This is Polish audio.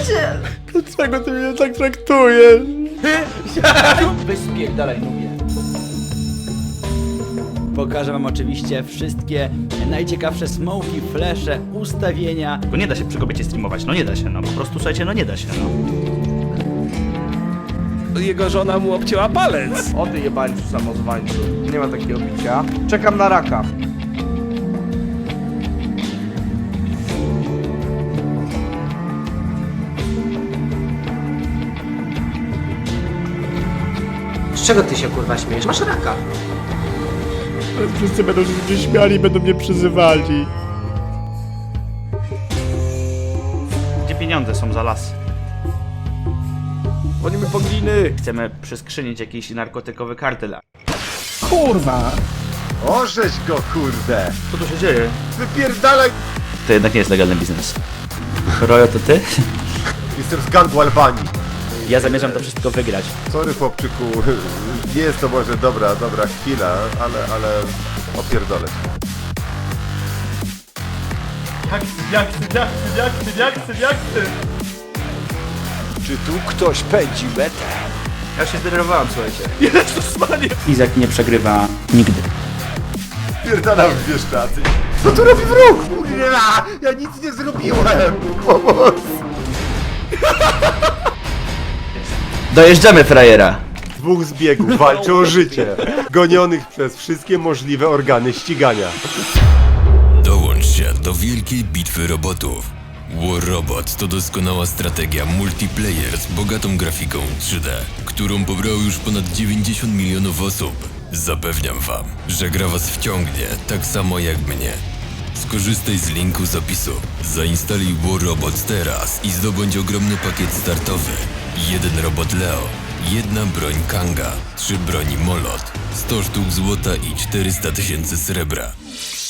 przyjaciel! Dlaczego ty mnie tak traktujesz? Weź spierdalaj, nubie. Pokażę wam oczywiście wszystkie najciekawsze smoki, flesze, ustawienia. Bo nie da się przy kobiecie streamować, no nie da się, no po prostu słuchajcie, no nie da się, no. Jego żona mu obcięła palec. O ty jebańcu samozwańcu. Nie ma takiego bicia. Czekam na raka. Z czego ty się kurwa śmiejesz? Masz raka. Wszyscy będą się mnie śmiali i będą mnie przyzywali. Gdzie pieniądze są za las? Dzwonimy po gliny. Chcemy przeskrzynić jakiś narkotykowy kartel. Orzeź go, kurde! Co tu się dzieje? Wypierdalaj! To jednak nie jest legalny biznes. Rojo, to ty? Jestem z gangu Albanii. Ja zamierzam to wszystko wygrać. Sorry, chłopczyku. Nie jest to może dobra chwila, ale opierdolę się. Czy tu ktoś pędzi metę? Ja się zdenerwowałem, słuchajcie. Izak nie przegrywa nigdy. Pierdalam w Bieszczady. Co tu robi wróg? Kurwa! Ja nic nie zrobiłem! Pomoc! Dojeżdżamy, frajera! Dwóch zbiegów walczy o życie, gonionych przez wszystkie możliwe organy ścigania. Dołącz się do wielkiej bitwy robotów. War Robot to doskonała strategia multiplayer z bogatą grafiką 3D, którą pobrało już ponad 90 milionów osób. Zapewniam wam, że gra was wciągnie tak samo jak mnie. Skorzystaj z linku z opisu. Zainstaluj War Robot teraz i zdobądź ogromny pakiet startowy. 1 robot Leo, 1 broń Kanga, 3 broni Molot, 100 sztuk złota i 400 000 srebra.